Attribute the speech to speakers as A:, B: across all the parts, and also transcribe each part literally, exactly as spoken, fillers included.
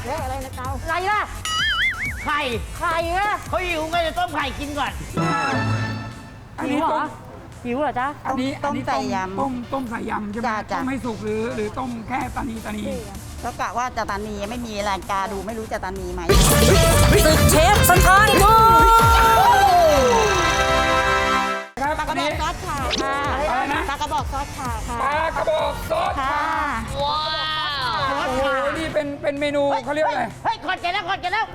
A: เละอะไรนะเกาอะไรล่ะไข่ไข่อะ
B: เขาหิวไงจะต้มไข่กินก่อน
A: อันนี้เหรอหิวเหรอจ๊ะ
C: อันนี้ต้มใส่ยำ
D: ต้มต้มใส่ยำใช่ไหมต้มให้สุกหรือหรือต้มแค่ตานีตานี
C: ก็กะว่าจะตานีไม่มีรายการดูไม่รู้จะตานีไหม
E: ศึกเชฟสถานทู
D: ครับ
C: ปลากระบอกซอสขาค่ะ
D: อะไรนะ
C: ปลากระบอกซอสขาค่ะ
D: ปลากระบอกซอส
C: ค่ะ
B: ว้าว
D: โอ้โหนี่เป็นเป็นเมนูเขาเรียกอะไร
B: เฮ้ยขอดแกแล้วขอดแกแล้ว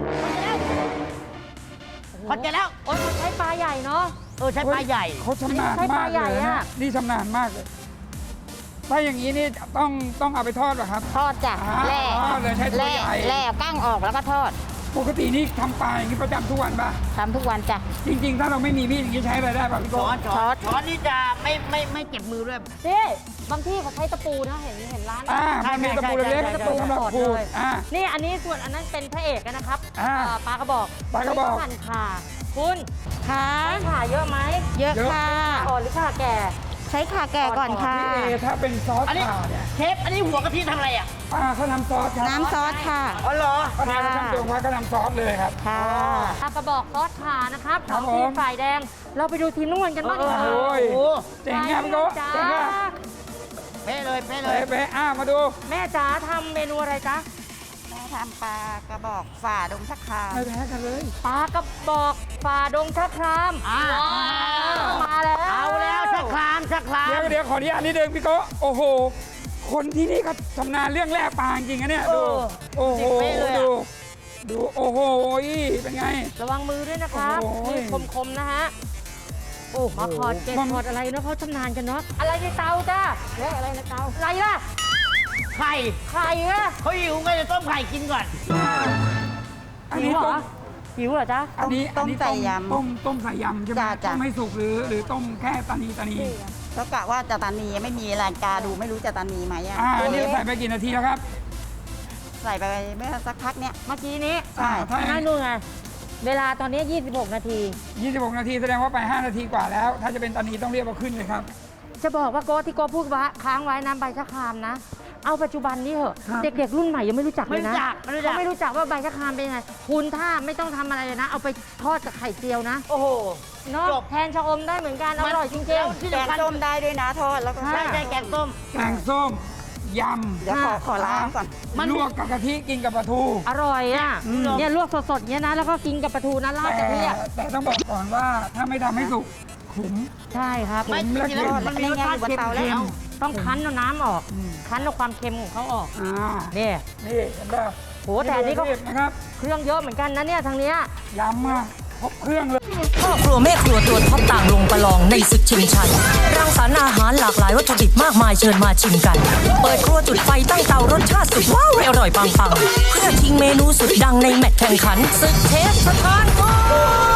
B: ขอดแกแล้ว
A: โอ๊ยมันใช้ปลาใหญ่เนาะ
B: เออใช่ปลาใหญ่
D: เขาชำนาญ
A: ใช้ป
D: มา
A: ลาก ให
D: เล
A: ญ่
D: ย
A: อะ
D: นะนี่ชำนาญมากเลยถ้าอย่างนี้นี่ต้องต้องเอาไปทอดเหรอครับ
C: ทอดจ้ะ
D: อ่า
C: แล่
D: ทอดเลยใช้ตัว
C: แล่
D: ใหญ่
C: แล่กั้งออกแล้วก็ทอด
D: ปกตินี่ทำปลาอย่างนี้ประจำทุกวันป่ะ
C: ทำทุกวันจ้ะ
D: จริงๆ ถ้าเราไม่มีมีดอย่างนี้ใช้อะไรได้ป่ะพี่โก้
B: ช้อนช้
C: ช้
B: อ
C: อน น
B: ช้อนนี่จะไม่ไม่ไม่เจ็บมือด้วย
A: นี่บางที่เขาใช้ตะปูนะเห็นเห็นร้าน
D: อ่ามันมีตะปูเล็ก
B: ใช่
D: ๆ
B: ใช่
D: ตะปูสำหรับขูดอ่า
A: นี่อันนี้ส่วนอันนั้นเป็นพระเอกนะครับ
D: อ่า
A: เอ่อปลากระบอก
D: ปลากระบอก
A: หั่นขาคุณ
C: ค่ะ
A: ใช้ขาเยอะไหม
C: เยอะค่ะ
A: อ่อนหรือขาแก่
C: ใช้ขาแก่ก่อนค่ะ
D: พี่เอถ้าเป็นซอส
B: อันนี้
D: ข่าเนี่ย
B: เชฟอันนี้หัวกะทิทำอะไรอ่ะ
D: ป้าเขาทำซอสครับ
C: น้ำซอสค่ะ
B: อ๋อเหรอ
D: ป้าทำทำตัวป้าก็ทำซอสเลยครับ
C: ค่ะ
A: ปลากระบอกซอสขานะครับ
D: ครับ
A: ของทีม
D: ผม
A: ฝ่ายแดง เราไปดูทีมนุ่งกันบ้างดีกว่า
D: โอ้ย
B: โอ้
D: เจ๋งครับพี่โก้
A: จ้า
D: เจ๋งครับ
B: เป๊ะเลยเป๊ะเล
D: เป๊ะ
B: ย
D: เป๊ะอ่ามาดู
A: แม่จ๋าทำเมนูอะไรจ๊ะ
C: แม่ทำปลากระบอกฝ่าดงชักคาม
D: ไม่แพ้กันเลย
A: ปลากระบอกฝ่าดงชะคราม
B: อ่า
A: มาแล้ว
B: เอาแล้วชักคลามชักคลาม
D: เดี๋ยวเดี๋ยวขออนุญาตนิดนึงพี่โก้โอ้โห คนที่นี่เขาชำนาญเรื่องแร่ปลาจริงๆนะเนี่ยดู โอ้โห ดูดูโอ้โหเป็นไง
A: ระวังมือด้วยนะครับ
D: โอ้โห
A: มือคมๆนะฮะโอ้มาขอดเกล็ด
D: มัน
A: ขอดอะไรเนาะเขาชำนาญกันเนาะอะไรในเตาจ้าเละอะไรนะเตาอะไรล่ะ
B: ไข่
A: ไข่อะ
B: เขาหิวไงจะต้มไข่กินก่อน
D: อัน
A: หิ
D: นี้
A: วเหร
D: ต้
A: อ
D: ม
A: หิวเหรอจ๊ะ
D: อันนี้
C: ต้ม
D: อันนี้
C: ใส่ยำ
D: ต้มต้มใส่ยำใช่ไหม
C: จ้ะจ้ะ
D: ต้มให้สุกหรือหรือต้มแค่ตานีตานี
C: ก็กะว่าจะตานีไม่มีรายการดูไม่รู้จะตานีไหมอ่ะ
D: อ่าอันนี้ใส่ไปกี่นาทีแล้วครับ
C: ใส่ไปเมื่อสักพักเนี้ย
A: เมื่อกี้นี้
C: ใช่
D: ถ้า
A: นั่นดูไงเวลาตอนนี้ ยี่สิบหก นาที
D: ยี่สิบหกนาทีแสดงว่าไปห้านาทีกว่าแล้ว ถ้าจะเป็นตานีต้องเรียกว่าขึ้นเลยครับ
A: จะบอกว่าโก้ที่โก้พูดว่าค้างไว้น้ำใบชะครามนะ เอาปัจจุบันนี้เหอะ
D: ครับ
A: เด็กๆรุ่นใหม่ยังไม่รู้จักเลยนะ
B: ไม่รู้จักไม่รู้จัก
A: เขาไม่รู้จักว่าใบชะครามเป็นยังไงคุณถ้าไม่ต้องทำอะไรเลยนะ เอาไปทอดกับไข่เจียวนะ
B: โอ้โห
A: เนาะ
B: จบ
A: แทนชะอมได้เหมือนกันอร่อยจริง
B: แล้วที่
C: แกง
B: สำคัญ
C: ส้มได้ด้วยนะทอดแล้วก็
B: ใช่ใช่แกงส้ม
D: แกงส้มยำ
C: เดี๋ยวขอขอล้างก่อน
B: มัน
D: ลวกกับกะทิกินกับปลาทู
A: ๆ อร่อยอ่ะ
D: อืม
A: เนี่ยลวกสดๆเนี้ยนะแล้วก็กินกับปลาทูนะราด
D: แต่
A: กะทิอ่ะ
D: แต่ต้องบอกก่อนว่าถ้าไม่ทำให้สุกขม
A: ใช่ครับ
B: ไม่
D: ผมและ
B: จริงๆแล้ว
D: เค็ม
B: มันมีรสชาติ
C: บน
B: เค็ม
C: เตาแล้ว
B: เค็ม
A: ต้องคั้นเอาน้ำออก
D: อืม
A: คั้นเอาความเค็มของเขาออก
D: อ่า
A: เนี่ย
D: นี่เห็นป่ะ
A: โหแต่อันนี้ก็
D: เรียบนะครับ
A: เครื่องเยอะเหมือนกันนะเนี่ยทางเนี้ย
D: ยำมาครบเครื่องเลย
E: พ่อครัวแม่ครัวตัวท็อปต่างลงประลองในศึกชิงชัยรังสรรค์อาหารหลากหลายวัตถุดิบมากมายเชิญมาชิมกัน เปิดครัวจุดไฟตั้งเตารสชาติสุดว้าวอร่อยปังๆเพื่อชิงเมนูสุดดังในแมตช์แข่งขันศึกเชฟสถานทู